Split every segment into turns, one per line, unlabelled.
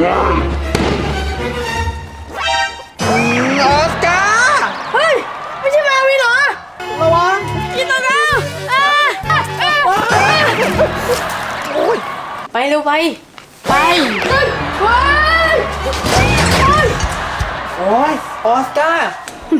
ออสการ์
เฮ้ยไม่ใช่มาวินเหรอระวังกินตัวเราไปเร็วไป
โอ้ยออสการ์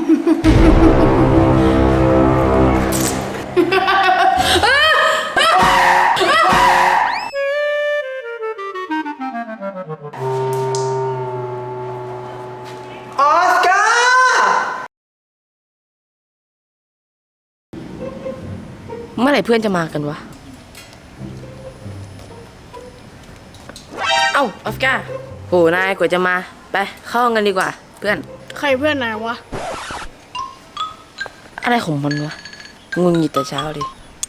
ออสการ์
เมื่อไหร่เพื่อนจะมากันวะเอ้าออสการ์โหนายกว่าจะมาไปเข้าห้องกันดีกว่าเพื่อน
ใครเพื่อนนายวะ
อะไรของมันวะงุนหงิดแต่เช้าดิ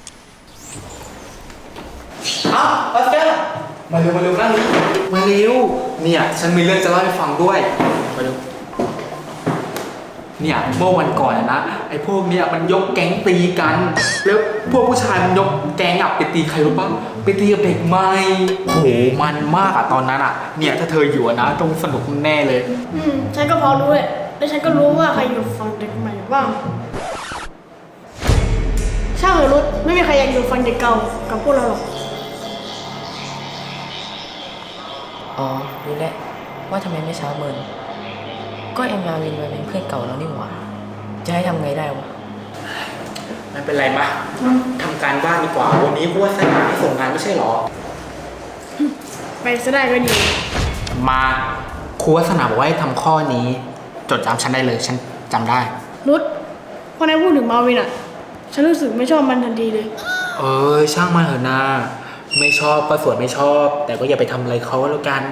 ออสการ์มาเร็วนั่งมาเร็วเนี่ยฉันมีเรื่องจะเล่าให้ฟังด้วยมาเร็วเนี่ยเมื่อวันก่อนนะไอ้พวกเนี่ยมันยกแก๊งตีกันแล้วพวกผู้ชายมันยกแก๊งไปตีใครรู้ปะไปตีกับเด็กใหม่โหมันมากตอนนั้นเนี่ยถ้าเธออยู่นะต้องสนุกแน่เลย
ฉันก็พอรู้เลยและฉันก็รู้ว่าใครอยู่ฝั่งเด็กใหม่บ้างช่างเถอะรุดไม่มีใครอยากอยู่ฝั่งเด็กเก่ากับพวกเราหรอก
อ๋อรู้แล้วว่าทำไมไม่เช้าเมินก็เอ็มมาวินมาเป็นเพื่อนเก่าแล้วนี่หว่าจะให้ทำไงได้วะ
ไม่เป็นไรมาทำการบ้านดีกว่าวันนี้กูว่าสนามให้ส่งงานไม่ใช่หรอ
ไปซะได้ก็ดี
มาครูวัฒนาบอกว่าให้ทำข้อนี้จดจำฉันได้เลยฉันจำได้
รุดพอนายพูดถึงมาวินฉันรู้สึกไม่ชอบมันทันทีเลย
ช่างมันเถอะนาไม่ชอบก็ส่วนไม่ชอบแต่ก็อย่าไปทำอะไรเขาแล้วกัน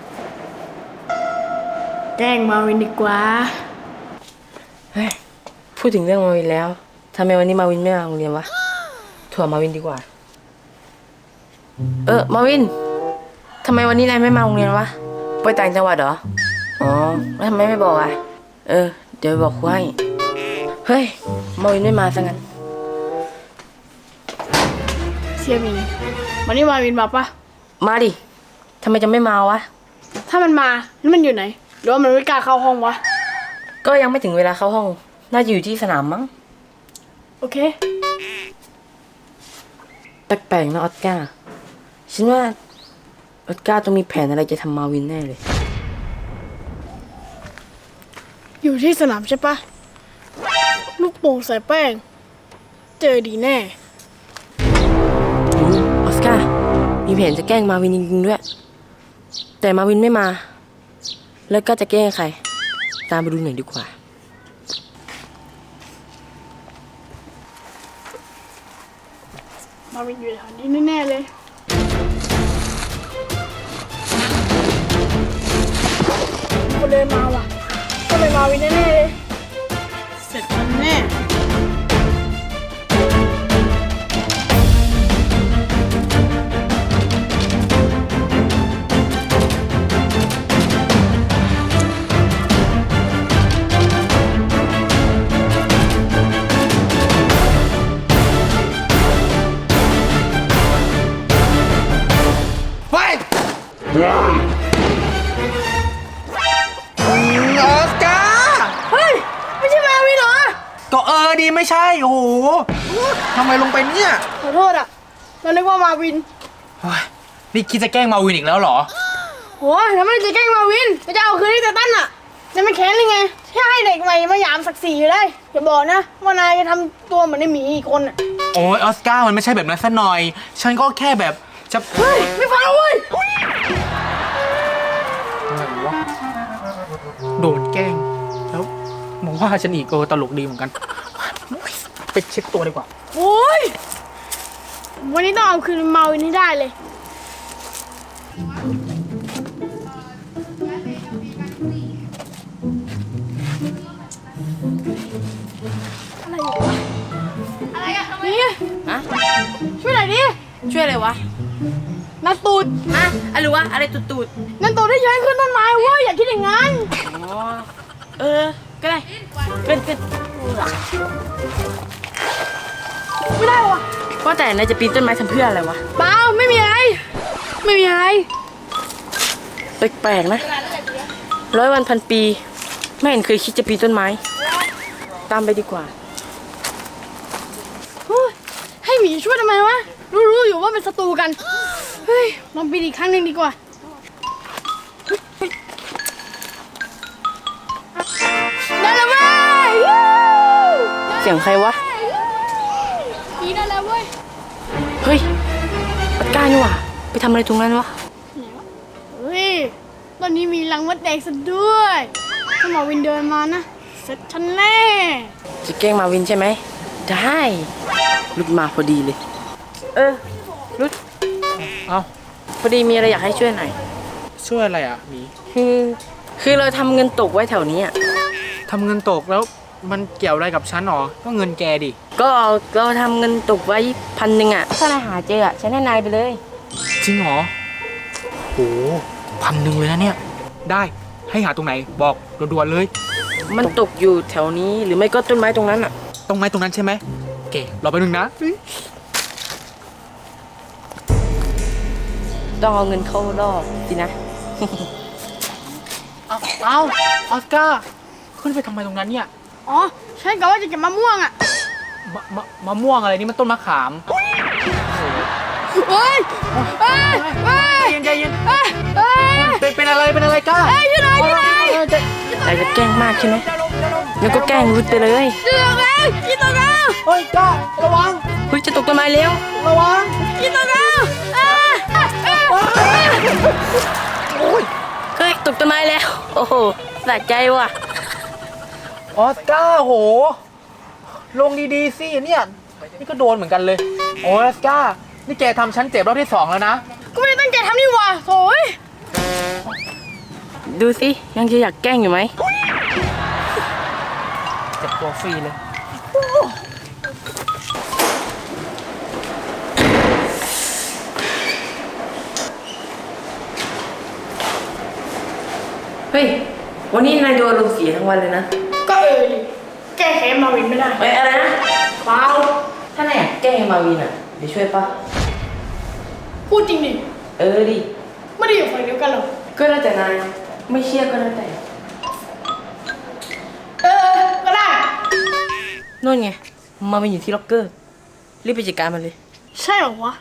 แกล้งมาวินดีกว่า
เฮ้ยพูดถึงเรื่องมาวินแล้วทำไมวันนี้มาวินไม่มาโรงเรียนวะถั่วมาวินดีกว่ามาวินทำไมวันนี้นายไม่มาโรงเรียนวะไปต่างจังหวัดเหรออ๋อแล้วทำไมไม่บอกเดี๋ยวบอกครูให้เฮ้ยมาวินไม่มาซะงั้น
เสียมีวันนี้มาวินมาปะ
มาดิทำไมจะไม่มาวะ
ถ้ามันมาแล้วมันอยู่ไหนหรือว่ามันไม่กล้าเข้าห้องวะ
ก็ยังไม่ถึงเวลาเข้าห้องน่าจะอยู่ที่สนามมั้ง
โอเค
แปลกๆนะออสการ์ฉันว่าออสการ์ต้องมีแผนอะไรจะทำมาวินแน่เลย
อยู่ที่สนามใช่ปะลูกโป่งใส่แป้งเจอดีแน่
ออสการ์มีแผนจะแกล้งมาวินจริงๆด้วยแต่มาวินไม่มาแล้วก็จะแกล้งใครตามไปดูหน่อยดีกว่า
มาวินอยู่แถวนี้แน่ๆเลยคนเดินมาว่ะก็เป็นมาวินแน่ๆเลยเสร็จมันแน่
ออสการ์
เฮ้ยไม่ใช่มาวินเหรอ
ก็ดีไม่ใช่โอ้โหทำไมลงไปเนี่ย
ขอโทษเรานึกว่ามาวิน
นี่คิดจะแกล้งมาวินอีกแล้วเหรอ
โหแล้วมันจะแกล้งมาวินจะเอาคืนที่แต่ตั้นจะไม่แค้นยังไงแค่ให้เด็กใหม่มาหยามศักดิ์ศรีอยู่ได้อย่าบอกนะว่านายจะทำตัวเหมือนไอ้หมีอีกคน
โอ้ยออสการ์มันไม่ใช่แบบนั้นซะหน่อยฉันก็แค่แบบจะ
เฮ้ยไม่ฟังเว้ย
โดนแกล้งแล้วมองว่าฉันอีกตลกดีเหมือนกันไปเช็คตัวดีกว่า
โอ้ยวันนี้ต้องเอาคืนมาวินให้ได้เลยอะไรอะนี่ช่วยหน่อยดิ
ช่วยอะไรวะ
นั่นตูด
อะไรวะอะไรตูด
นั่นตูดที่ย้ายขึ้นต้นไม้เว้ยอย่าคิดอย่างนั้น
ก็ได้เกิน
ไม่ได้วะ
ว่าแต่นายจะปีนต้นไม้ทำเพื่ออะไรวะ
เปล่าไม่มีอะไร
แปลกๆนะ100 วันพันปี ไม่เห็นเคยคิดจะปีนต้นไม้ ตามไปดีกว่า
โอ้ยให้หมีช่วยทำไมวะ รู้อยู่ว่าเป็นศัตรูกัน เฮ้ย ลองปีนอีกครั้งหนึ่งดีกว่า ได้แล้วเว้ย
เสียงใครวะ
ปีนได้แล้วเว้ย
เฮ้ยปากกานี่หว่าไปทำอะไรตรงนั้นวะ
เฮ้ย ตอนนี้มีรังมดแดงซะด้วย ถ้าหมอวินเดินมานะ เสร็จฉันแน่
จะแกล้งมาวินใช่ไหม ได้รุดมาพอดีเลย รุด
เอ้า
พอดีมีอะไรอยากให้ช่วยหน่อย
ช่วยอะไรอ่ะหมี
คือเราทำเงินตกไว้แถวนี้อ่ะ
ทำเงินตกแล้วมันเกี่ยวอะไรกับฉันหรอก็เงินแกดิ
ก็เราทำเงินตกไว้1,000อ่ะ ถ้านายหาเจออ่ะฉันให้นายไปเลย
จริงเหรอโห1,000เลยนะเนี่ย ได้ให้หาตรงไหนบอกด่วนๆเลย
มันตกอยู่แถวนี้หรือไม่ก็ต้นไม้ตรงนั้นอ่ะ
ตรงไหนตรงนั้นใช่ไหมโอเครอไปบนึงนะ
ต้องเอาเงินเข้ารอบสินะ
เอาออสการ์ขึ้นไปทำไมตรงนั้นเนี่ย
อ๋อ ฉันกะว่าจะเก็บมะม่วงอ่ะ
มะม่วงอะไรนี่มันต้นมะขาม
เฮ้ยเฮ้ยเฮ้ย
ใจเย็น
เฮ้ยเฮ้ย
เป็นอะไรก้า
เฮ้ยช่วยหน่อยช่วยหน่อย
นายจะแกล้งมากใช่ไหมงั้นก็แกล้งรุดไปเลย
ช่วยหน่อยกินตัวเรา
เฮ้ยก้าระวัง
เฮ้ยจะตกต้นไม้แล้ว
ระวัง
กินตัวเรา
โอ้ย
เฮ้ยตกต้นไม้แล้ว โอ้โหสะใจว่ะ
ออสการ์โหลงดีๆสิเนี่ยนี่ก็โดนเหมือนกันเลยออสการ์นี่แกทำฉันเจ็บรอบที่2แล้วนะ
ก็ไม่ได้ตั้งใจทำนี่หว่าโถ่ย
ดูสิยังจะอยากแกล้งอยู่ไหม
เจ็บตัวฟรีเลย
เฮ้ยวันนี้นายดูอารมณ์เสียทั้งวันเลยนะ
ก็ดิแก้แค้นมาวินไม่ได้
เฮ้ยอะไรนะ
เปล่า
ถ้านายอยากแกล้งมาวินอ่ะเดี๋ยวช่วยปะ
พูดจริงดิ
ดิ
ไม่ได้อยู่ฝ่ายเดียวกันหรอก
ก็แล้วแต่นายไม่เชื่อก็แล้วแต่
ก็ได้
นู่นไงมาวินอยู่ที่ล็อกเกอร์รีบไปจัดการมันเลย
ใช่เหรอวะ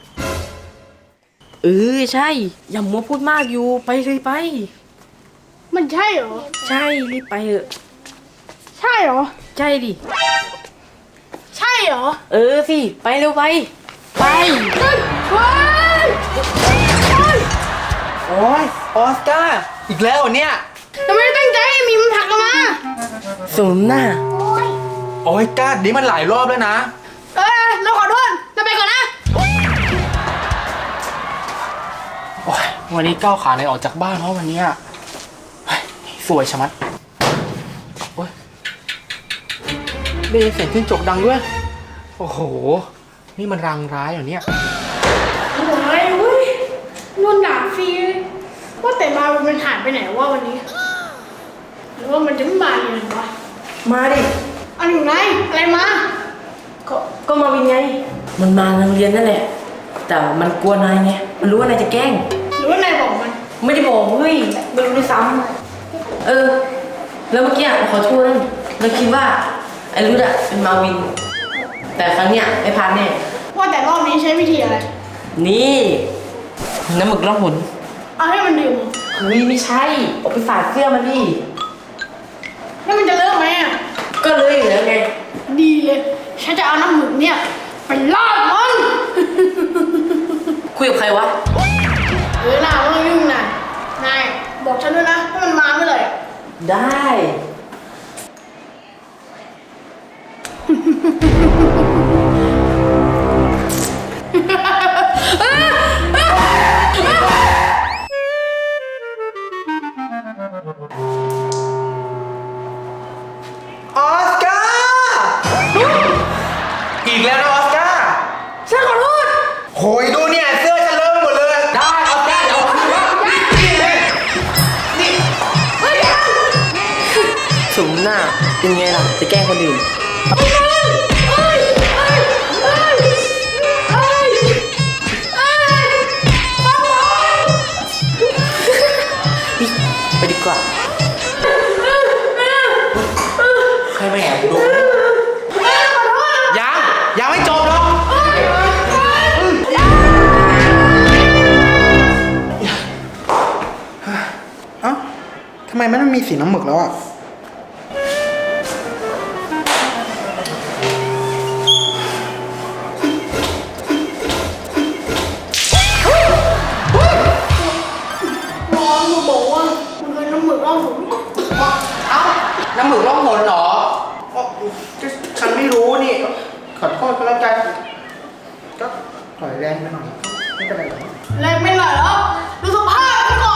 ใช่ อย่ามัวพูดมากอยู่ไปเลยไป
มันใช่เหรอ
ใช่รีบไปเถอะ
ใช่เหรอ
ใช่ดิ
ใช่เหรอ
สิไปเร็วไป ไป
เฮ้ยเฮ้ยเฮ้ย
โอ้ยออสการ์อีกแล้วเหรอเนี่ย
ทำไมตั้งใจให้มีมันผลักกันมา
สมหน้า
โอ้ยก้านี่มันหลายรอบแล้วนะ
เราขอโทษเราไปก่อนนะ
โอ้ยวันนี้ก้าวขาไหนออกจากบ้านเพราะวันเนี้ยเฮ้ยสวยชะมัดโอ้ยได้ยินเสียงขึ้นจกดังด้วย โอ้โห นี่มันรางร้ายเหรอเนี่ย
โอ้ยเว้ยนวลด่าฟรีเลยว่าแต่มาวินมันหายไปไหนวะวันนี้ หรือว่ามันจะไม่มาเลยวะ
มาดิ
อันอยู่ไหนอะไรมา
ก็มาวินไง มันมาโรงเรียนนั่นแหละ แต่มันกลัวนายไง มันรู้ว่านายจะแกล้ง
หรือว่านายบอกมัน
ไม่ได้บอกเฮ้ยไม่รู้ด้วยซ้ำแล้วเมื่อกี้เราขอโทษนะเราคิดว่าไอ้รุดเป็นมาวิน แต่ครั้งเนี้ยไม่พลาดแน่
ว่าแต่รอบนี้ใช้วิธีอะไร
นี่น้ำหมึกล่องหน
เอาให้มันดื่มเหรอ
เฮ้ยไม่ใช่เอาไปฝาดเสื้อมันดิ
แล้วมันจะเลิกไหมอ่ะ
ก็เลยอยู่แล้วไง
ดีเลย ฉันจะเอาน้ำหมึกเนี่ยไปลาดมัน
คุยกับใครวะ
น่าไม่ต้องยุ่งนะนายบอกฉันด้วยนะถ้ามันมาเมื่อไหร่อะ
ได้
ออสการ์อีกแล้วนะออสการ์
ฉันขอโทษ
โหยดูเนี่ยเสื้อฉันเลอะไปหมดเลย ได้ออสการ์เดี๋ยวเอาคืนมานี่เลยนี่
สมหน้าเป็นไงล่ะ จะแกล้งคนอื่นกว่า
ใครมาแอบดูยังไม่จบหรอกเอ้าทำไมมันไม่มีสีน้ำหมึกแล้วอ่ะ
น้องมาบอกว่ามันเคยน้ำหมึกร่องหน
เอ้าน้ำหมึกล่องหนเหรออ๋อฉันไม่รู้นี่ ขอโทษก็แล้วกันก็ปล่อยแรงไปหน่อยไม่เป็นไรหรอก
แรงไม่ไหลแล้วดูสภาพมันก่อน